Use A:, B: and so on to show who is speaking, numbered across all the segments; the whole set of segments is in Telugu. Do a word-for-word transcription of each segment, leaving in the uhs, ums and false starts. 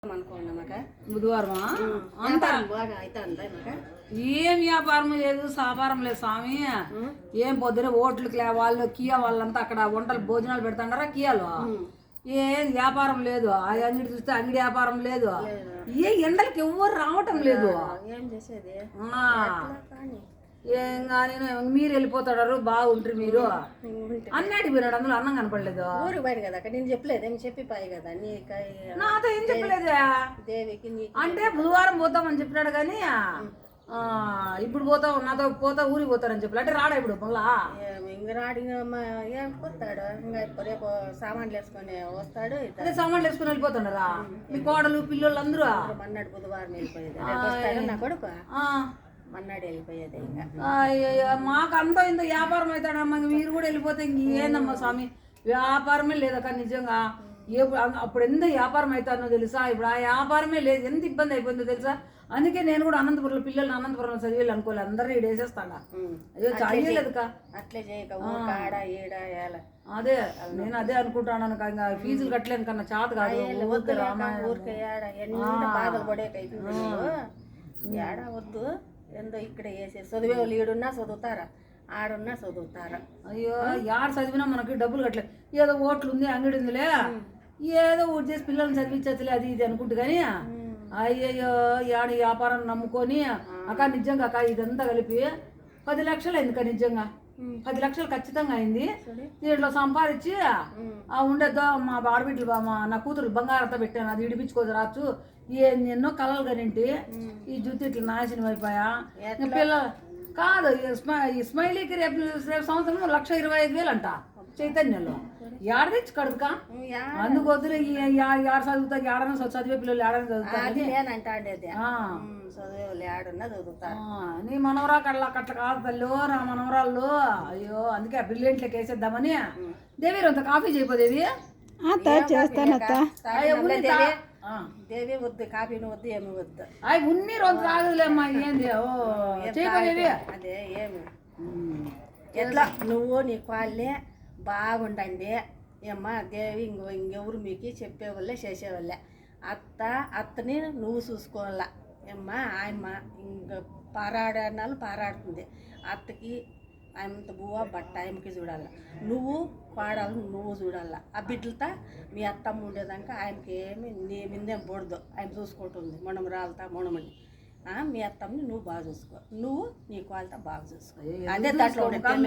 A: బుధవారమా అంతా ఏం వ్యాపారం లేదు వ్యాపారం లేదు స్వామి. ఏం పొద్దున ఓట్లకి వాళ్ళు కియా వాళ్ళంతా అక్కడ వంటలు భోజనాలు పెడతాడారా కియాలో. ఏం వ్యాపారం లేదు. ఆ అంగడి చూస్తే అంగడి వ్యాపారం లేదు. ఏ ఎండలకి ఎవ్వరు రావటం లేదు. ఏం కానీ మీరు వెళ్ళిపోతాడారు బాగుంటారు మీరు అన్నటి పోయినాడు. అందులో అన్నం కనపడలేదు.
B: ఊరికి బయట కదా నేను చెప్పలేదు ఏమి చెప్పిపోయి కదా నీ
A: నాతో ఏం చెప్పలేదే.
B: దేవికి
A: అంటే బుధవారం పోతామని చెప్పినాడు కానీ ఇప్పుడు పోతావు నాతో పోతా ఊరికి పోతారని చెప్పలే. అంటే రాడా ఇప్పుడు మళ్ళా
B: ఇంక రాడు ఏం పోతాడు. ఇంకా రేపు సామాన్లు వేసుకొని వస్తాడు.
A: అదే సామాన్లు వేసుకొని వెళ్ళిపోతున్నారా మీ కోడలు పిల్లలు అందరూ?
B: మన్నాడు బుధవారం వెళ్ళిపోయేది నా కొడుకు మన్నాడు వెళ్ళిపోయేది.
A: ఇంకా మాకు అంతా ఇంత వ్యాపారం అవుతాడమ్మా. మీరు కూడా వెళ్ళిపోతే ఇంకేందమ్మా స్వామి వ్యాపారమే లేదక్క నిజంగా. ఏ అప్పుడు ఎంత వ్యాపారం అవుతానో తెలుసా. ఇప్పుడు ఆ వ్యాపారమే లేదు. ఎంత ఇబ్బంది అయిపోయిందో తెలుసా. అందుకే నేను కూడా అనంతపురంలో పిల్లల్ని అనంతపురంలో చదివేళ్ళు అనుకోలేదు. అందరూ ఈడ వేసేస్తాడా. అయ్యో చదివేలేదుక
B: అట్లే చేయక
A: అదే నేను అదే అనుకుంటాను. ఇంకా ఫీజులు కట్టలేను కన్నా చేత కాదు.
B: ఊరికే బాధలు పడేకైతే ఏడా వద్దు. ఎందో ఇక్కడ వేసే చదివే వాళ్ళు ఈడున్నా చదువుతారా ఆడున్నా చదువుతారా.
A: అయ్యో యాడ చదివినా మనకి డబ్బులు కట్టలేదు. ఏదో ఓట్లు ఉంది అంగడి ఉందిలే ఏదో ఊటి చేసి పిల్లల్ని చదివించచ్చులే అది ఇది అనుకుంటు కానీ అయ్యయ్యో యాడి వ్యాపారం నమ్ముకొని అక్క నిజంగా అక్క ఇదంతా కలిపి పది లక్షలు అయింది అక్క. నిజంగా పది లక్షలు ఖచ్చితంగా అయింది. దీంట్లో సంపాదించి ఆ ఉండేద్దో మా ఆడబిడ్డలు మా నా కూతురు బంగారంతో పెట్టాను. అది ఇడిపించుకోదు రాచ్చు. ఎన్నో కలలు కనింటి ఈ జుత్తు ఇట్లా నాశనం అయిపోయా. పిల్లలు కాదు ఈ స్మైలీకి రేపు రేపు సంవత్సరం లక్ష ఇరవై ఐదు వేలు అంట చైతన్యంలో. ఏడ తెచ్చి కడుక అందుకు వద్దులే. ఏడ చదువుతారు ఏడన్నా చదివే పిల్లలు ఏడన్నా చదువుతారు. నీ మనవరా కళ్ళ కట్ల కాదు తల్లి నా మనవరాళ్ళు. అయ్యో అందుకే బ్రిలియంట్లకి వేసేద్దామని. దేవి అంత కాఫీ చేయపోదేవి
B: దేవి వద్దు కాఫీ వద్దు ఏమి వద్దు.
A: అవి ఉన్ని రోజు తాగదులేమ్మా. ఏంది చేయపోదేవి
B: అదే ఏమి ఎట్లా నువ్వు నీ కాళ్ళే బాగుండండి ఏమ్మా. దేవి ఇంకో ఇంకెవరు మీకు చెప్పేవాళ్ళే చేసేవాళ్ళే. అత్త అత్తని నువ్వు చూసుకోవాలా ఏమ్మా. ఆయమ్మ ఇంక పారాడనాలు పారాడుతుంది. అత్తకి ఆయనంత బువ్వ బట్ట ఆయనకి చూడాల. నువ్వు పాడాలి నువ్వు చూడాల. ఆ బిడ్డలతో మీ అత్తమ్మ ఉండేదాకా ఆయనకి ఏమి నీ మిందేం పొడదు. ఆయన చూసుకుంటుంది మనం రాలతా మనమని. మీ అత్తమ్మని నువ్వు బాగా చూసుకో. నువ్వు నీ వాళ్ళతో బాగా చూసుకో. అదే దాంట్లో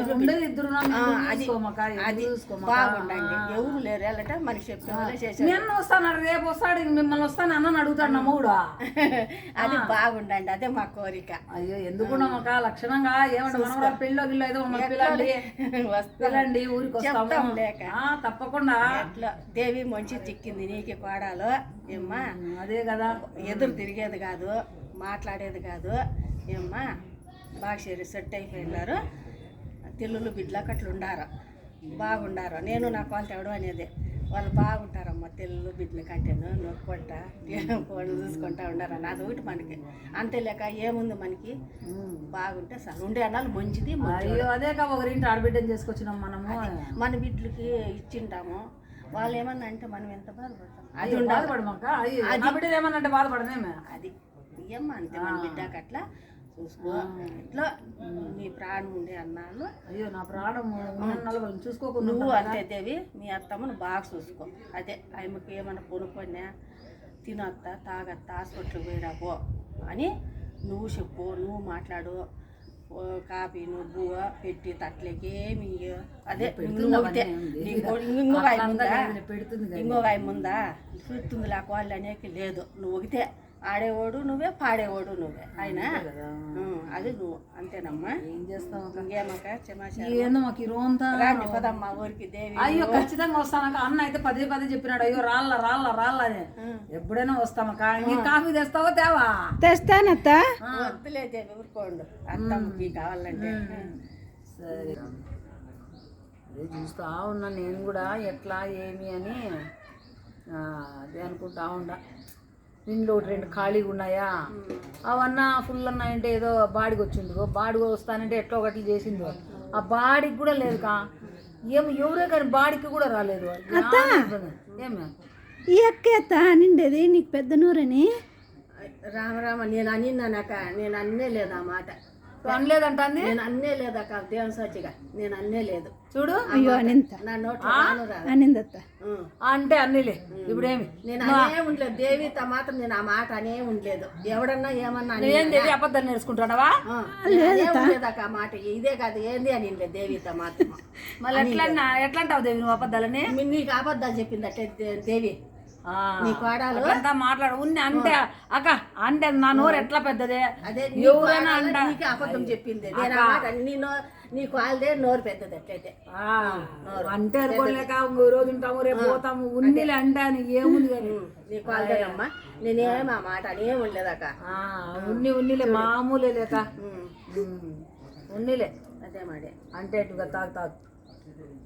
B: అది బాగుండండి. ఎవరు లేరు వెళ్ళట మనకి చెప్పి
A: వస్తాను రేపు వస్తాడు మిమ్మల్ని వస్తాను అన్న అడుగుతాడు నమ్ముడు.
B: అది బాగుండండి అదే మా కోరిక.
A: అయ్యో ఎందుకు నమ్మక లక్షణంగా ఏమంటే పెళ్ళో గిల్లో ఏదో పిల్లండి వస్తానండి ఊరికి వస్తాం లేక తప్పకుండా.
B: అట్లా దేవి మంచి చిక్కింది నీకు కోడాలు ఏమ్మా.
A: అదే కదా
B: ఎదురు తిరిగేది కాదు మాట్లాడేది కాదు ఏమ్మా. బాగా సరి సెట్ అయిపోయినారు. తిల్లులు బిడ్డలకు అట్లా ఉండారు బాగుండారు. నేను నా వాళ్ళు తేవడం అనేది వాళ్ళు బాగుంటారమ్మా. తెల్లు బిడ్డలు కంటేను నొక్కుంటా ఫోన్లు చూసుకుంటా ఉండారు. నాది ఒకటి మనకి అంతే లేక ఏముంది మనకి బాగుంటే సార్ ఉండే అన్నాళ్ళు మంచిది.
A: అదే కా ఒకరింటి ఆడబిడ్డని చేసుకొచ్చినాం మనము.
B: మన బిడ్డలకి ఇచ్చింటాము. వాళ్ళు ఏమన్నా అంటే మనం ఎంత బాధపడతాం.
A: అది బాధపడమాక అది బిడ్డ ఏమన్నా అంటే బాధపడదేమే.
B: అది ఏమ్మా అంతే మన బిడ్డకి అట్లా చూసుకో. ఇట్లా నీ ప్రాణం ఉండే అన్నాళ్ళు.
A: అయ్యో నా ప్రాణం చూసుకోకు.
B: నువ్వు అంతే దేవి మీ అత్తమ్మను బాగా చూసుకో. అదే ఆమెకి ఏమన్నా కొనుక్కొన్నా తినొత్తా తాగత్తా హాస్పిటల్కి పోయిరాపో అని నువ్వు చెప్పు. నువ్వు మాట్లాడు. కాఫీ నువ్వు పెట్టి తట్లకి ఏమి అదే ఇంకొక ఇంకొక ముందా ఇంకొక ముందా చూస్తుంది లేక వాళ్ళు అనేకి లేదు. నువ్వు ఒకటే ఆడేవాడు నువ్వే పాడేవాడు నువ్వే ఆయన అది నువ్వు అంతేనమ్మా.
A: ఏం చేస్తావు
B: ఇంకేమక్క
A: ఏందో మాకు ఈ రోజంతా
B: రాండి పదమ్మా ఊరికి దేవి.
A: అయ్యో ఖచ్చితంగా వస్తానక్క. అన్న అయితే పదే పదే చెప్పినాడు అయ్యో రాళ్ళ రాళ్ళ రాళ్ళ అని. ఎప్పుడైనా వస్తామక్క. నీ కాఫీ తెస్తావా తేవా?
C: తెస్తానత్త.
B: వద్దులే దేవి ఊరుకోండు అత్తమ్మకి కావాలంటే.
A: సరే అదే చూస్తా ఉన్నా నేను కూడా ఎట్లా ఏమి అని అదే అనుకుంటా ఉండా. ఇంట్లో ఒకటి రెండు ఖాళీగా ఉన్నాయా అవన్నా ఫుల్ ఉన్నాయంటే ఏదో బాడికి వచ్చిందో బాడికి వస్తానంటే ఎట్లా ఒకటి చేసిందో ఆ బాడికి కూడా లేదు కా. ఏమో ఎవరే కానీ బాడికి కూడా రాలేదు. ఏమే
C: ఈ అక్క ఎత్త అనిండేది నీకు పెద్ద నూరని.
B: రామరామ నేను అనిన్నానక్క, నేను అన్నే లేదు ఆ మాట,
A: అనలేదంటుంది.
B: నేను అన్నే లేదక్క, దేవుని సాక్షిగా నేను అన్నే లేదు.
A: చూడు
C: అయ్యో అనింత
B: నా నోట్లో రాను రాదు.
C: అనిందత్త.
B: ఉం.
A: అంటే అన్నిలే ఇప్పుడేమి
B: నేను అనే ఉండలేదు దేవితో మాత్రం, నేను ఆ మాట అనే ఉండలేదు. ఎవడన్నా ఏమన్నా అని
A: ఏం దేవి అబద్ధాలు నేర్చుకుంటాడవా?
B: ఆ, నేను అనే ఉండలేదక్క ఆ మాట, ఇదే కాదు ఏంది అని ఉండలేదు దేవితో మాత్రం.
A: మళ్ళీ ఎట్లా ఎట్లా అంటావు దేవి నువ్వు అబద్ధాలని?
B: మీ- నీకు అబద్ధాలు చెప్పింది అట్టే దే- దేవి
A: ఆ,
B: నీ కోడాలు.
A: అట్లంతా మాట్లాడు ఉన్ని అంటే అక్క అంటే నా నోరు ఎట్లా పెద్దదే
B: అదే నీ
A: ఎవరైనా
B: కోడలు
A: అంట
B: నీకు అబద్ధం చెప్పింది. నేను ఆ మాట నీ నో నీ కాళ్ళదే నోరు పెద్దది అట్లయితే.
A: ఆ, అంటే అనుకోలేక ఇంకో రోజు ఉంటాము రేపు పోతాము ఉన్నిలే అంటే అని ఏముంది కానీ
B: ఉం. నీ కాళ్ళదేనమ్మా, నేనేం ఆ మాట అనే ఉండలేదక్క.
A: ఆ, ఉన్ని ఉన్నిలే మామూలే లేక
B: ఉం.
A: ఉమ్, ఉన్నిలే
B: అదే మాడే.
A: అంటే ఇటుగా తాగు తాగు